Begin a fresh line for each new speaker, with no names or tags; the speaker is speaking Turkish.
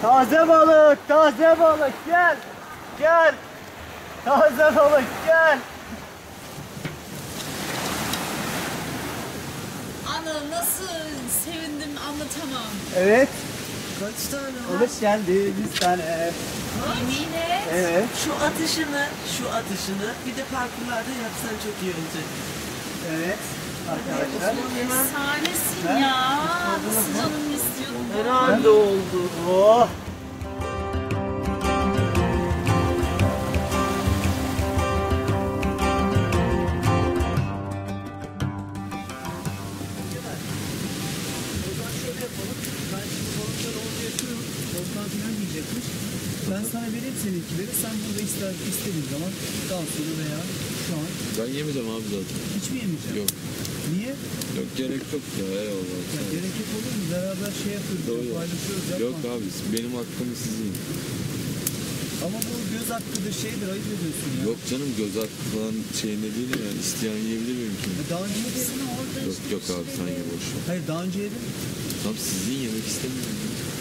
Taze balık, taze balık, gel. Gel. Taze balık, gel.
Ana nasıl sevindim anlatamam.
Evet.
Kaç tane var?
Hoş geldiniz tane.
Yemin et.
Evet.
Şu atışını bir de parkurlarda yapsan çok iyi olacak.
Evet. Arkadaşlar.
Efsanesin ya. Nasıl canım istiyordum.
Herhalde oldu.
Oh.
Ben sana vereyim seninkileri, sen burada istediğin zaman daha sonra veya şu an.
Ben yemeyeceğim abi zaten.
Hiç mi yemeyeceksin?
Yok.
Niye?
Yok gerek yok ya eyvallah.
Ya gerek yok olur mu? Beraber şey yapıyoruz,
Doğru.
paylaşıyoruz, yapma.
Yok abi benim hakkımı siz yiyin.
Ama bu göz hakkıdır, şeydir, ayıp ediyorsun ya.
Yok canım göz hakkı falan şeyine değil yani isteyen yiyebilir miyim
Ya
şimdi?
daha önce yedin.
Yok yok abi sen ye boş ver.
Hayır daha önce yedin.
Tamam siz yiyin yemek istemiyorum.